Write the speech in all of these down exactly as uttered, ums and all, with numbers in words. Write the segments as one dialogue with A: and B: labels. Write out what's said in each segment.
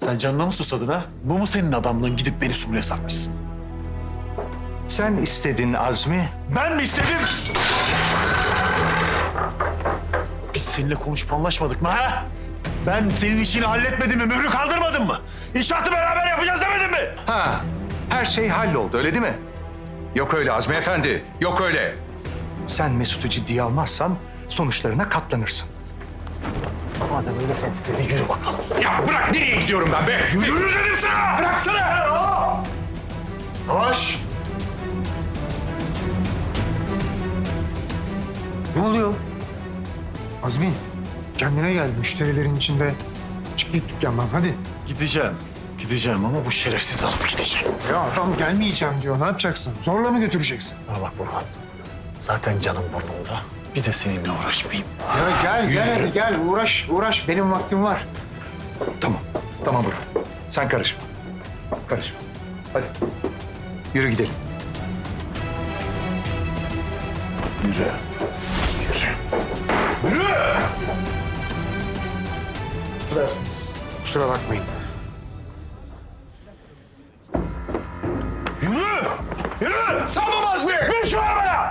A: Sen canına mı susadın ha? Bu mu senin adamlığın, gidip beni Sumru'ya satmışsın?
B: Sen istedin Azmi.
A: Ben mi istedim? Biz seninle konuşup anlaşmadık mı ha? Ben senin işini halletmedim mi? Mührü kaldırmadım mı? İnşaatı beraber yapacağız demedim mi?
B: Ha, her şey halloldu öyle değil mi? Yok öyle Azmi Efendi, yok öyle. Sen Mesut'u ciddiye almazsan sonuçlarına katlanırsın.
A: Madem öyle sen istedin, yürü bakalım.
B: Ya bırak, nereye gidiyorum ben be?
A: Yürü dedim sana!
B: Bıraksana!
A: Yavaş!
C: Ne oluyor? Azmi, kendine gel. Müşterilerin içinde. Çık git dükkandan, hadi.
A: Gideceğim. Gideceğim ama bu şerefsiz alıp gideceğim.
C: Ya adam gelmeyeceğim diyor. Ne yapacaksın? Zorla mı götüreceksin?
A: Ha bak Burhan. Zaten canım burnumda. Bir de seninle uğraşmayayım.
C: Ya gel, gel hadi gel. Uğraş, uğraş. Benim vaktim var.
B: Tamam, tamam Burhan. Sen karışma. Karışma. Hadi. Yürü gidelim.
A: Yürü. Yürü. Yürü!
C: Affedersiniz. Kusura bakmayın.
A: Yürü! Yürü!
B: Tamam Azmi!
A: Ver şu arabaya!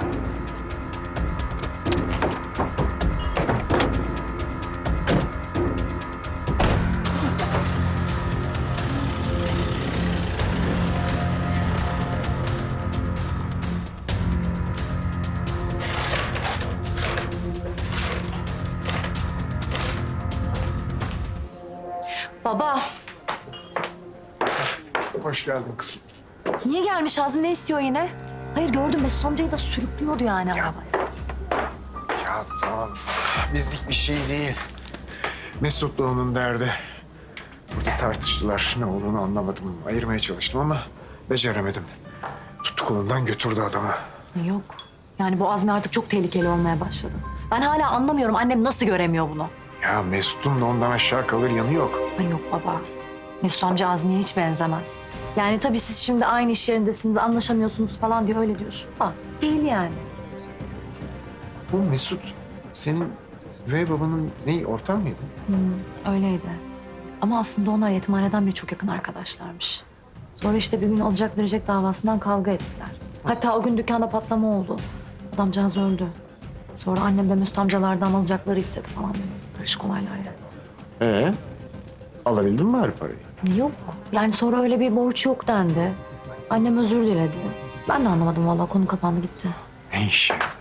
D: Baba,
C: Hoş geldin kızım.
D: niye gelmiş Azmi, ne istiyor yine? Hayır gördüm, Mesut amcayı da sürüklüyordu yani arabaya.
C: Ya tamam. Bizlik bir şey değil. Mesut'la onun derdi. Burada tartıştılar. Ne olduğunu anlamadım. Ayırmaya çalıştım ama beceremedim. Tuttu kolundan götürdü adamı.
D: Yok, yani bu Azmi artık çok tehlikeli olmaya başladı. Ben hala anlamıyorum, annem nasıl göremiyor bunu?
C: Ya Mesut'un da ondan aşağı kalır yanı yok.
D: Ay yok baba, Mesut amca Azmi'ye hiç benzemez. Yani tabii siz şimdi aynı iş yerindesiniz, anlaşamıyorsunuz falan diye öyle diyorsun da değil yani.
C: Bu Mesut senin ve babanın ne ortağı mıydı?
D: Öyleydi. Ama aslında onlar yetimhaneden beri çok yakın arkadaşlarmış. Sonra işte bir gün alacak verecek davasından kavga ettiler. Hatta o gün dükkanda patlama oldu. Adamcağız öldü. Sonra annem de Mesut amcalardan alacakları istedi falan. Karışık olaylar yani.
C: Ee, alabildin mi her parayı?
D: Yok. Yani sonra öyle bir borç yok dendi. Annem özür diledi. Ben de anlamadım vallahi, konu kapandı gitti.
C: Ne iş ya?